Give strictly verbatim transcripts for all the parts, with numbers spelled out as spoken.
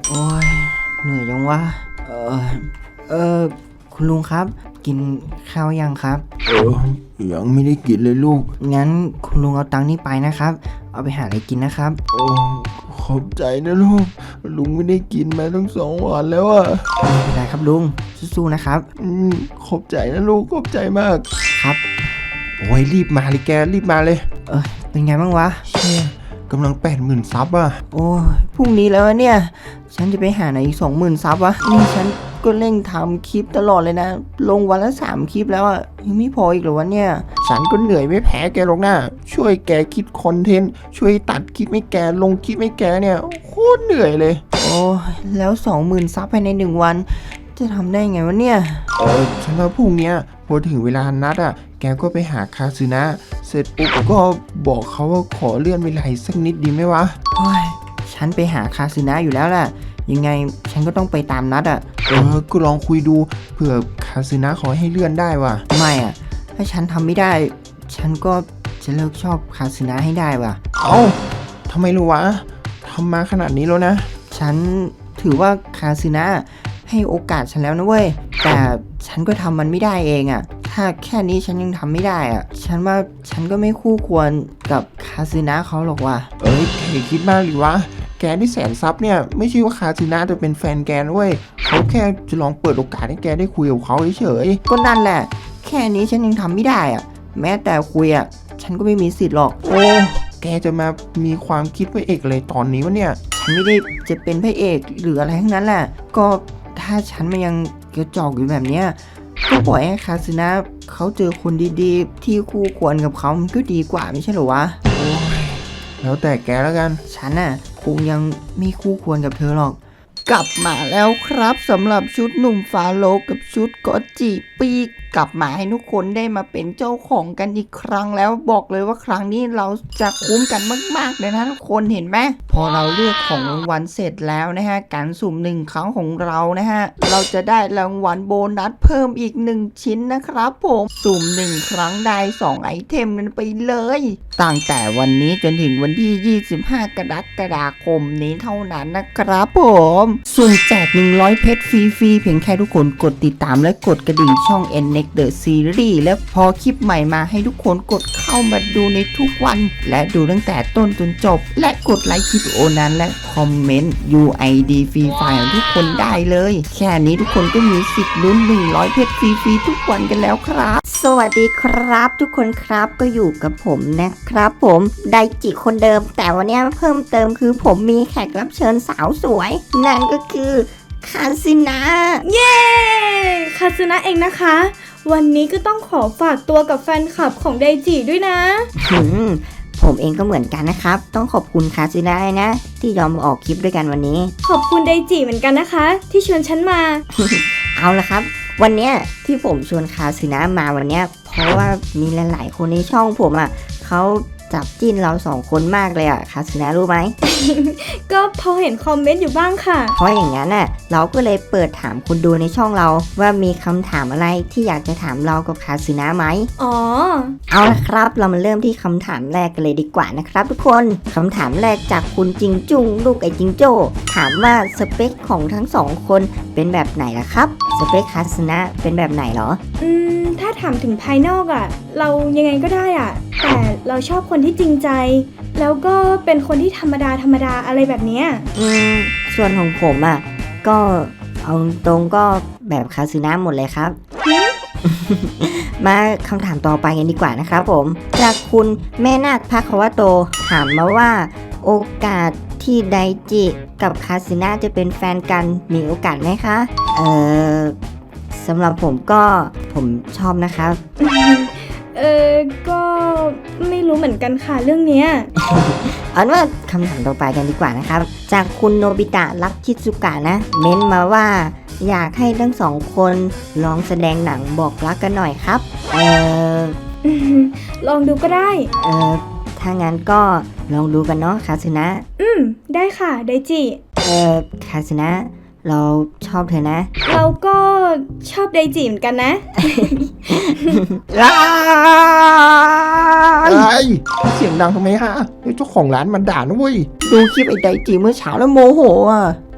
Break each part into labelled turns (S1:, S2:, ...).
S1: โอ้ยเหนื่อยจังวะเออเออคุณลุงครับกินข้าวยังครับ
S2: เออยังไม่ได้กินเลยลูก
S1: งั้นคุณลุงเอาตังค์นี้ไปนะครับเอาไปหาอะไรกินนะครับ
S2: โอ้ขอบใจนะลูกลุงไม่ได้กินมาตั้งสองวันแล้วอ่ะ
S1: ไม่เป็นไรครับลุงสู้ๆนะครับ
S2: อืมขอบใจนะลูกขอบใจมาก
S1: ครับ
S2: โอ้ยรีบมาเลยแกรีบมาเลย
S1: เออเป็นไงบ้างวะ
S2: เชี่ยกำลังแปดหมื่นซับอ่ะ
S1: โอ้ยพรุ่งนี้แล้วเนี่ยฉันจะไปหาไหนอีกสองหมื่นซับวะนี่ฉันก็เร่งทำคลิปตลอดเลยนะลงวันละสามคลิปแล้วอ่ะยังไม่พออีกเหรอวะเนี่ย
S2: ฉันก็เหนื่อยไม่แพ้แกหรอกนะช่วยแกคิดคอนเทนต์ช่วยตัดคลิปให้แกลงคลิปให้แกเนี่ยโคตรเหนื่อยเลย
S1: โอ้ยแล้วสองหมื่นซับภายในหนึ่งวันจะทำได้ไงวะเนี่ย
S2: เออฉันว่าพรุ่งนี้พอถึงเวลานัดอ่ะแกก็ไปหาคาซึนะเสร็จปุ๊บก็บอกเขาว่าขอเลื่อนเวลาสักนิดดีไหมวะ
S1: โอ้ยฉันไปหาคาซึนะอยู่แล้วแหละยังไงฉันก็ต้องไปตามนัดอ่ะ
S2: เออก็ลองคุยดูเผื่อคาซึนะขอให้เลื่อนได้ว่ะ
S1: ไม่อ่ะถ้าฉันทำไม่ได้ฉันก็จะเลิกชอบคาซึนะให้ได้ว่ะ
S2: เอ้าทำไมรู้วะทำมาขนาดนี้แล้วนะ
S1: ฉันถือว่าคาซึนะให้โอกาสฉันแล้วนะเว้ยแต่ฉันก็ทำมันไม่ได้เองอ่ะถ้าแค่นี้ฉันยังทำไม่ได้อ่ะฉันว่าฉันก็ไม่คู่ควรกับคาซึนะเขาหรอกว่ะ
S2: เอ้ยแกคิดมากหรือวะแกที่แสนซับเนี่ยไม่ใช่ว่าคาซึนะจะเป็นแฟนแกนะเว้ยเขาแค่จะลองเปิดโอกาสให้แกได้คุยกับเขาเฉย
S1: ๆก็นั่นแหละแค่นี้ฉันยังทำไม่ได้อ่ะแม้แต่คุยอ่ะฉันก็ไม่มีสิทธิ์หรอก
S2: โอ้แกจะมามีความคิดพระเอกเลยตอนนี้วะเนี่ย
S1: ฉันไม่ได้จะเป็นพระเอกหรืออะไรทั้งนั้นแหละก็ถ้าฉันมันยังกระจอกอยู่แบบเนี้ยก็ปล่อยให้คาซึนะเขาเจอคนดีๆที่คู่ควรกับเขามันก็ดีกว่าไม่ใช่หรอวะ
S2: โอ้ยแล้วแต่แกแล้วกัน
S1: ฉันน่ะคงยังไม่คู่ควรกับเธอหรอกกลับมาแล้วครับสำหรับชุดหนุ่มฟาโลกับชุดก็จิปีกกลับมาให้ทุกคนได้มาเป็นเจ้าของกันอีกครั้งแล้วบอกเลยว่าครั้งนี้เราจะคุ้มกันมากๆเลยนะทุกคนเห็นไหมพอเราเลือกของรางวัลเสร็จแล้วนะฮะการสุ่มหนึ่งครั้งของเรานะฮะเราจะได้รางวัลโบนัสเพิ่มอีกหนึ่งชิ้นนะครับผมสุ่มหนึ่งครั้งได้สองไอเทมกันไปเลยตั้งแต่วันนี้จนถึงวันที่ยี่สิบห้ากรกฎาคมนี้เท่านั้นนะครับผมส่วนแจกหนึ่งร้อยเพชรฟรีๆเพียงแค่ทุกคนกดติดตามและกดกระดิ่งช่อง เอ็น เน็กซ์ The Series และพอคลิปใหม่มาให้ทุกคนกดเข้ามาดูในทุกวันและดูตั้งแต่ต้นจนจบและกดไลค์คลิปโอนั้นและคอมเมนต์ ยู ไอ ดี ฟรีไฟล์ของทุกคนได้เลยแค่นี้ทุกคนก็มีสิทธิ์ลุ้นหนึ่งร้อยเพชรฟรีๆทุกวันกันแล้วครับสวัสดีครับทุกคนครับก็อยู่กับผมนะครับผมไดจิคนเดิมแต่วันนี้เพิ่มเติมคือผมมีแขกรับเชิญสาวสวยนั่นก็คือคาซึนะ
S3: เย้คาซึนะเองนะคะวันนี้ก็ต้องขอฝากตัวกับแฟนคลับของไดจิด้วยนะ
S1: หืมผมเองก็เหมือนกันนะครับต้องขอบคุณคาซึนะนะที่ยอมมาออกคลิปด้วยกันวันนี้
S3: ขอบคุณไดจิเหมือนกันนะคะที่ชวนฉันมา
S1: เอาละครับวันเนี้ยที่ผมชวนคาซึนะมาวันเนี้ยเพราะว่ามีหลายๆคนในช่องผมอ่ะเขาจับจิ้นเราสองคนมากเลยอ่ะคาซึนะรู้ไหม
S3: ก็พอเห็นคอมเมนต์อยู่บ้างค่ะ
S1: เพราะอย่างนั้นน่ะเราก็เลยเปิดถามคนดูในช่องเราว่ามีคำถามอะไรที่อยากจะถามเรากับคาซึนะไหม
S3: อ๋อ
S1: เอาละครับเรามาเริ่มที่คำถามแรกกันเลยดีกว่านะครับทุกคนคำถามแรกจากคุณจิงจุงลูกไอจิงโจ้ถามว่าสเปคของทั้งสองคนเป็นแบบไหนล่ะครับสเปคคาซึนะเป็นแบบไหนเหรอ
S3: อืมถ้าถามถึงภายนอกอ่ะเรายังไงก็ได้อ่ะแต่เราชอบคนที่จริงใจแล้วก็เป็นคนที่ธรรมดาธรรมดาอะไรแบบเนี้ย
S1: อืมส่วนของผมอ่ะก็เอาตรงก็แบบคาซึนะหมดเลยครับ มาคำถามต่อไปกันดีกว่านะครับผมจากคุณแม่นาคภควโตถามมาว่าโอกาสที่ไดจิกับคาซึนะจะเป็นแฟนกันมีโอกาสไหมคะเอ่อสำหรับผมก็ผมชอบนะครับ
S3: เออก็ไม่รู้เหมือนกันค่ะเรื่องเนี้ย
S1: เอาว่าคำถามต่อไปกันดีกว่านะครับจากคุณโนบิตะรักชิซุกะนะเม้นมาว่าอยากให้ทั้งสองคนลองแสดงหนังบอกรักกันหน่อยครับเออ
S3: ลองดูก็ได้
S1: เออถ้างั้นก็ลองดูกันเนาะคาซึนะ
S3: อืมได้ค่ะไดจิ
S1: เออคาซึนะเราชอบเธอนะ
S3: เราก็ชอบไดจิเหมือนกันนะ
S2: ไอ้เสียงดังทำไมฮะเจ้าของร้านมันด่านะเว้ย
S1: ดูคลิปไอ้ไดจิเมื่อเช้าแล้วโมโหอ่ะ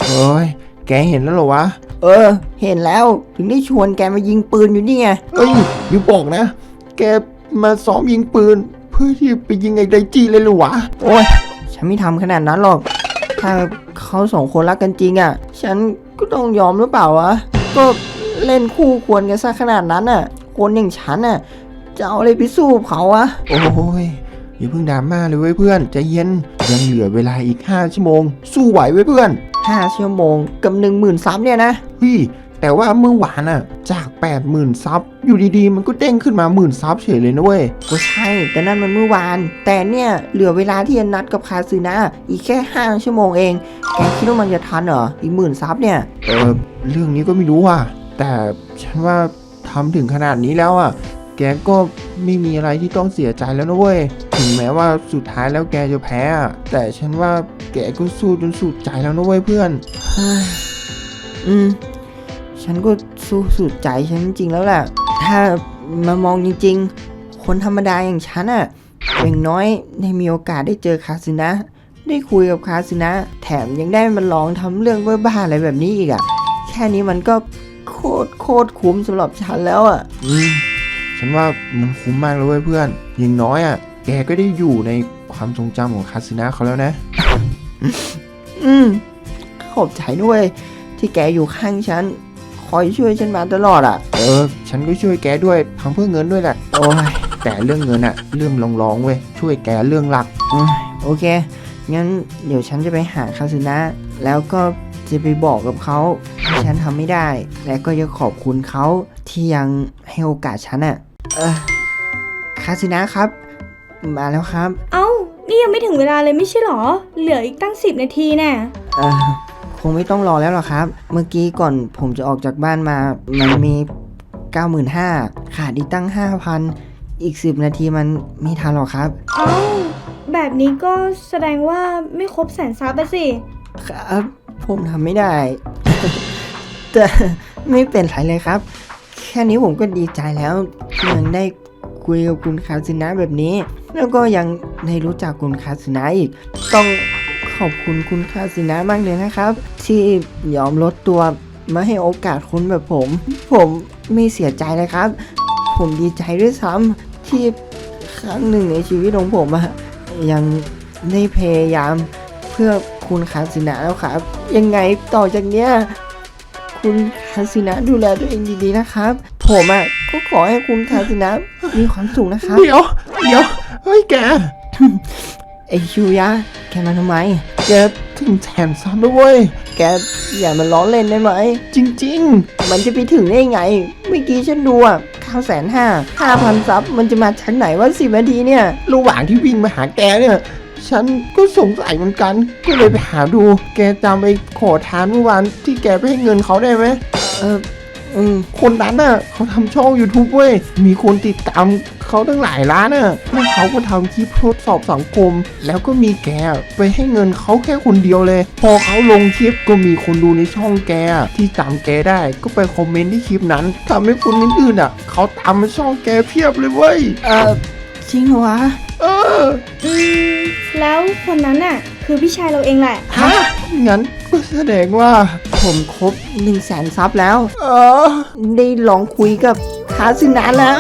S2: เอ้ยแกเห็นแล้วเหรอวะ
S1: เออ เห็นแล้วถึงได้ชวนแกมายิงปืนอยู่นี่ไง
S2: เอ้ยอย่าบอกนะ แกมาซ้อมยิงปืน เพื่อที่ไปยิงไอ้ไดจี้เลยเหรอวะ
S1: โอ้ยฉันไม่ทำขนาดนั้นหรอก ถ้าเขาสองคนรักกันจริงอ่ะ ฉันก็ต้องยอมหรือเปล่าวะ ก็เล่นคู่ควรกันซะขนาดนั้นอ่ะ คนอย่างฉันอ่ะ จะเอาอะไรไปสู้กับเขาวะ
S2: โอ้ยอย่าเพิ่งดราม่าเลยเว้ยเพื่อนใจเย็นยังเหลือเวลาอีกห้าชั่วโมง สู้ไหวเว้ยเพื่อน
S1: ห้าชั่วโมงกับหนึ่งหมื่นซับเนี่ยนะ
S2: เฮ้ยแต่ว่าเมื่อวานอะจากแปดหมื่นซับอยู่ดีๆ มันก็เด้งขึ้นมาหมื่นซับเฉยเลยนะเว้ย
S1: ก็ใช่ แต่นั่นมันเมื่อวาน แต่เนี่ยเหลือเวลาที่จะนัดกับคาซึนะอีกแค่ห้าชั่วโมงเอง แกคิดว่ามันจะทันเหรอ อีกหมื่นซับเนี่ย
S2: เออเรื่องนี้ก็ไม่รู้ว่ะแต่ฉันว่าทำถึงขนาดนี้แล้วอะแกก็ไม่มีอะไรที่ต้องเสียใจแล้วนะเว้ยถึงแม้ว่าสุดท้ายแล้วแกจะแพ้อะแต่ฉันว่าแกก็สู้จนสุดใจแล้วนะเว้ยเพื่อน
S1: เฮ้ยอืม ฉันก็สู้สุดใจฉันจริงๆแล้วแหละ ถ้ามามองจริงๆ คนธรรมดาอย่างฉันอะอย่างน้อยได้มีโอกาสได้เจอคาซึนะ ได้คุยกับคาซึนะ แถมยังได้มาลองทำเรื่องบ้าๆอะไรแบบนี้อีกอะแค่นี้มันก็โคตรโคตรคุ้มสำหรับฉันแล้วอะ
S2: อืมฉันว่ามันคุ้มมากเลยเว้ยเพื่อนอย่างน้อยอ่ะแกก็ได้อยู่ในความทรงจำของคาสินะเขาแล้วนะ
S1: อืม ขอบใจด้วย ที่แกอยู่ข้างฉัน คอยช่วยฉันมาตลอดอะ
S2: เออฉันก็ช่วยแกด้วยทำเพื่อเงินด้วยแหละ
S1: โอ้ย
S2: แต่เรื่องเงินอ่ะเรื่องรองๆเว้ยช่วยแกเรื่องหลัก
S1: อืมโอเค งั้นเดี๋ยวฉันจะไปหาคาซึนะ แล้วก็จะไปบอกกับเขาที่ฉันทำไม่ได้ และก็จะขอบคุณเขาที่ยังให้โอกาสฉันอะเออคาซึนะครับ มาแล้วครับ
S3: เอ้า นี่ยังไม่ถึงเวลาเลยไม่ใช่หรอ เหลืออีกตั้งสิบนาทีแน่
S1: เออคงไม่ต้องรอแล้วหรอกครับ เมื่อกี้ก่อนผมจะออกจากบ้านมา มันมี เก้าหมื่นห้าพัน ขาดอีกตั้ง ห้าพัน อีกสิบนาทีมันไม่ทันหรอกครับ
S3: เอ้า แบบนี้ก็แสดงว่าไม่ครบแสนซับอะสิ
S1: ครับ ผมทำไม่ได้ แต่ไม่เป็นไรเลยครับ แค่นี้ผมก็ดีใจแล้วที่ยังได้คุยกับคุณคาซึนะแบบนี้ แล้วก็ยังได้รู้จักคุณคาซึนะอีก ต้องขอบคุณคุณคาซึนะมากเลยนะครับ ที่ยอมลดตัวมาให้โอกาสคนแบบผม ผมไม่เสียใจเลยครับ ผมดีใจด้วยซ้ำที่ครั้งหนึ่งในชีวิตของผมอะยังได้พยายามเพื่อคุณคาซึนะแล้วครับ ยังไงต่อจากเนี้ยคุณคาซึนะดูแลตัวเองดีๆนะครับ ผมอะก็ขอให้คุณคาซึนะมีความสุขนะครับ
S2: เดี๋ยวเดี๋ยวเฮ้ยแก
S1: ไอชิวยะแกมาทำไม
S2: แกถึงแสนซับแล้วเว้ย
S1: แกอย่ามาล้อเล่นได้ไหม
S2: จริง
S1: มันจะไปถึงได้ไง เมื่อกี้ฉันดูอ่ะเก้าแสนห้าห้าพันซับมันจะมาจากไหนว่าสิบนาทีเนี่ย
S2: ๆ ระหว่างที่วิ่งมาหาแกเนี่ย ฉันก็สงสัยเหมือนกัน ก็เลยไปหาดู แกจำไปขอทานเมื่อวานที่แกไปให้เงินเขาได้ไหม
S1: เอออืม
S2: คนนั้นน่ะเขาทำช่อง YouTube เว้ย มีคนติดตามเขาตั้งหลายล้านน่ะแล้วเขาก็ทำคลิปทดสอบสังคม แล้วก็มีแกไปให้เงินเขาแค่คนเดียวเลย พอเขาลงคลิปก็มีคนดูในช่องแกที่จำแกได้ ก็ไปคอมเมนต์ที่คลิปนั้นทำให้คนอื่นๆอ่ะเขาตามมาช่องแกเพียบเลยเว้ย
S1: เออจริงเหรอวะ
S2: เออ
S3: อืม แล้วคนนั้นน่ะ คือพี่ชายเราเองแหละ
S2: ฮะ งั้นก็แสดงว่า
S1: ผมครบหนึ่งแสนซับแล้ว
S2: เออ
S1: ได้ลองคุยกับคาซึนะแล้ว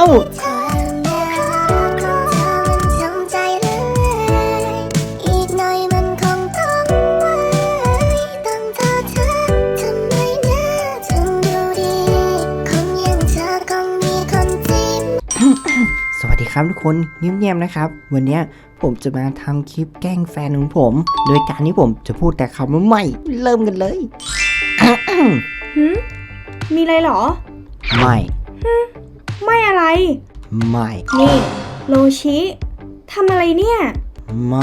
S4: ทำใจเลยอีกหน่อยมันคงต้องไว้ต้องเธอเธอทำไมนะถึงดูดีคนอย่างเธอคงมีคนจิ้ม
S1: สวัสดีครับทุกคนเงียบๆนะครับ วันเนี้ยผมจะมาทำคลิปแกล้งแฟนของผม โดยการที่ผมจะพูดแต่คำว่าไม่เริ่มกันเลย
S3: หืม มีอะไรเหรอ
S1: ไม่
S3: ไม่อะไร
S1: ไม่
S3: นี่ โลชิทำอะไรเนี่ย
S1: ไม่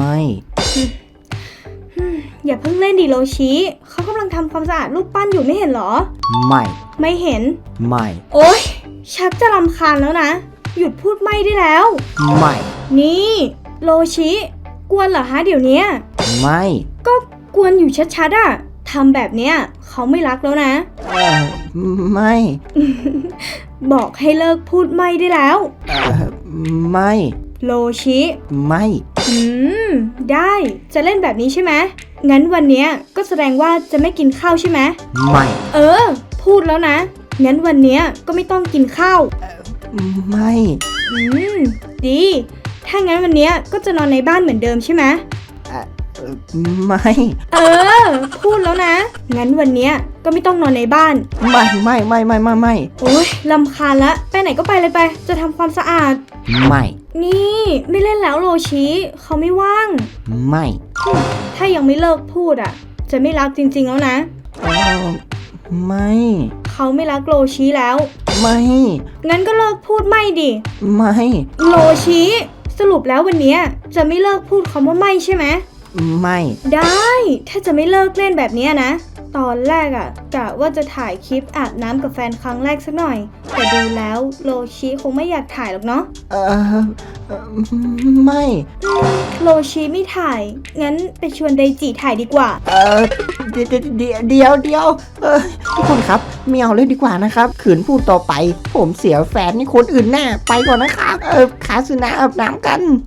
S3: อย่าเพิ่งเล่นดิโลชิเขากำลังทำความสะอาดรูปปั้นอยู่ไม่เห็นเหรอ
S1: ไม่
S3: ไม่เห็น
S1: ไม่
S3: โอ๊ย ชักจะรำคาญแล้วนะ หยุดพูดไม่ได้แล้ว
S1: ไม่
S3: นี่ โลชิกวนเหรอฮะเดี๋ยวเนี้ย
S1: ไม่
S3: ก็กวนอยู่ชัดๆอะทำแบบเนี้ยเขาไม่รักแล้วนะ
S1: เออไม่
S3: บอกให้เลิกพูดไม่ได้แล้ว
S1: เออไม่
S3: โลชิ
S1: ไม่
S3: อืม ได้ จะเล่นแบบนี้ใช่ไหมงั้นวันเนี้ยก็แสดงว่าจะไม่กินข้าวใช่ไหม
S2: ไม่
S3: เออ พูดแล้วนะ งั้นวันเนี้ยก็ไม่ต้องกินข้าว
S1: ไม่
S3: อืม ดี ถ้างั้นวันเนี้ยก็จะนอนในบ้านเหมือนเดิมใช่ไหม
S1: เอ่อไม่
S3: เออ พูดแล้วนะ งั้นวันเนี้ยก็ไม่ต้องนอนในบ้าน
S1: ไม่ไม่ไม่ไม่ไม่ไม่
S3: โอ๊ยลำคาญละ ไปไหนก็ไปเลยไป จะทำความสะอาด
S1: ไม่
S3: นี่ไม่เล่นแล้วโรชิเขาไม่ว่าง
S1: ไม่
S3: ถ้ายังไม่เลิกพูดอ่ะ จะไม่รักจริงๆแล้วนะ
S1: เอ่อไม่
S3: เขาไม่รักโรชิแล้ว
S1: ไม่
S3: งั้นก็เลิกพูดไม่ดิ
S1: ไม่
S3: โรชิสรุปแล้ววันเนี้ยจะไม่เลิกพูดคำว่าไม่ใช่ไหม
S1: ไม่
S3: ได้ ถ้าจะไม่เลิกเล่นแบบเนี้ยนะ ตอนแรกอะกะว่าจะถ่ายคลิปอาบน้ำกับแฟนครั้งแรกสักหน่อย แต่ดูแล้วโรชิคงไม่อยากถ่ายหรอกเนาะ
S1: เออเอ่อไม่
S3: โรชิไม่ถ่าย งั้นไปชวนไดจิถ่ายดีกว่า
S1: เออเดี๋ยวเดี๋ยวเดี๋ยวเดี๋ยวเออทุกคนครับไม่เอาเลยดีกว่านะครับขืนพูดต่อไป ผมเสียแฟนนี่คนอื่นแน่ไปก่อนนะครับ เออคาสึนะอาบน้ำกัน